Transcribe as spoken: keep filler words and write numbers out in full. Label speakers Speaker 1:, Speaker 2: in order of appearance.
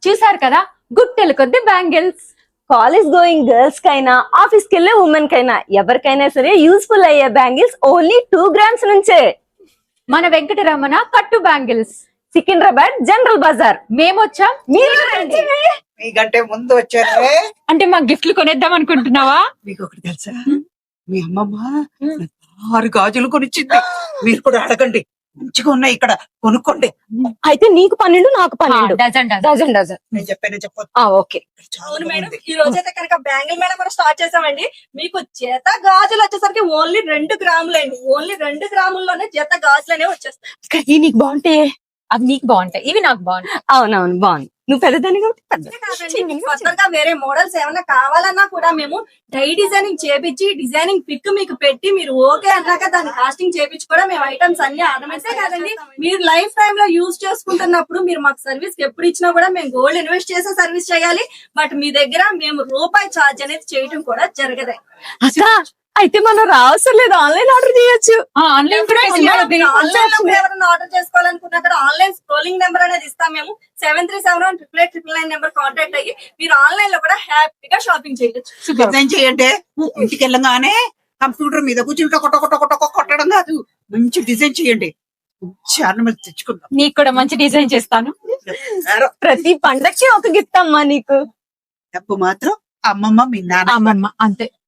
Speaker 1: చూసారు కదా గుట్టెలు కొద్ది బ్యాంగిల్స్.
Speaker 2: కాలేజ్ గోయింగ్ గర్ల్స్ కైనా ఆఫీస్ కి వెళ్ళే ఉమెన్ కైనా ఎవరికైనా సరే యూస్ఫుల్ అయ్యే బ్యాంగిల్స్ ఓన్లీ టూ గ్రామ్స్ నుంచే.
Speaker 1: మన వెంకటరమణ కట్టు బ్యాంగిల్స్,
Speaker 2: సికింద్రాబాద్ జనరల్ బజార్.
Speaker 1: మేమొచ్చాం,
Speaker 2: మీరు రండి.
Speaker 3: మీకంటే ముందు వచ్చారే.
Speaker 1: అంటే మా గిఫ్ట్లు కొనేద్దాం అనుకుంటున్నావా?
Speaker 3: మీకు ఒకటి తెలుసా, మీ అమ్మమ్మ ఆరు గాజులు కొనిచ్చింది. మీరు కూడా అడగండి, మంచిగా ఉన్నాయి ఇక్కడ, కొనుక్కోండి.
Speaker 2: అయితే నీకు పన్నెండు నాకు పన్నెండు.
Speaker 1: Dozen dozen.
Speaker 2: Dozen dozen.
Speaker 3: నేను చెప్పానే చెప్పొద్దు.
Speaker 2: ఆ ఓకే.
Speaker 4: అవును మేడం, ఈ రోజు అయితే కనుక బ్యాంగిల్ మేడం కూడా స్టార్ట్ చేసామండి. మీకు జత గాజులు వచ్చేసరికి ఓన్లీ రెండు గ్రాములండి. ఓన్లీ రెండు గ్రాముల్లోనే జత గాజులు అనేవి వచ్చేస్తాయి.
Speaker 2: ఇవి నీకు బాగుంటాయి.
Speaker 1: అవి నీకు బాగుంటాయి, ఇవి నాకు బాగుంటాయి.
Speaker 2: అవునవును బాగుంది. నువ్వు పెద్దదాన్ని కాబట్టి పెద్ద.
Speaker 4: కాదండి, మీకు కొత్తగా వేరే మోడల్స్ ఏమైనా కావాలన్నా కూడా మేము డై డిజైనింగ్ చేపించి డిజైనింగ్ పిక్ మీకు పెట్టి మీరు ఓకే అన్నాక దాన్ని కాస్టింగ్ చేపించి కూడా మేము ఐటమ్స్ అన్ని ఆర్నమెంట్స్ కాదండి, మీరు లైఫ్ టైమ్ లో యూజ్ చేసుకుంటున్నప్పుడు మీరు మాకు సర్వీస్ ఎప్పుడు ఇచ్చినా కూడా మేము గోల్డ్ ఇన్వెస్ట్ చేసే సర్వీస్ చేయాలి. బట్ మీ దగ్గర మేము రూపాయి ఛార్జ్ అనేది చేయడం కూడా జరగదు.
Speaker 2: అక్క అయితే మనం రావసరం లేదు, ఆన్లైన్ ఆర్డర్ చేయొచ్చు.
Speaker 1: ఆన్లైన్ కూడా
Speaker 4: ఆన్లైన్ లో ఎవరైనా ఆర్డర్ చేసుకోవాలనుకున్నా కూడా ఆన్లైన్ స్క్రోలింగ్ నెంబర్ అనేది ఇస్తాం మేము. Seven three seven one triple eight triple nine number contact అయ్యి మీరు ఆన్లైన్ లో కూడా హ్యాపీగా షాపింగ్ చేయొచ్చు.
Speaker 3: డిజైన్ చేయండి. ఇంటికి వెళ్ళగానే కంప్యూటర్ మీద కూర్చుని టొక టొక టొక టొక కొట్టడం కాదు, మంచి డిజైన్ చేయండి. మంచి ఆర్నమెంట్స్ తెచ్చుకుందాం.
Speaker 1: నీకు కూడా మంచి డిజైన్ చేస్తాను.
Speaker 2: ప్రతి పండక్కి ఒక గిఫ్ట్ అమ్మా నీకు.
Speaker 3: డబ్బు మాత్రం అమ్మమ్మ మీ నాన్న.
Speaker 1: అమ్మమ్మ అంతే.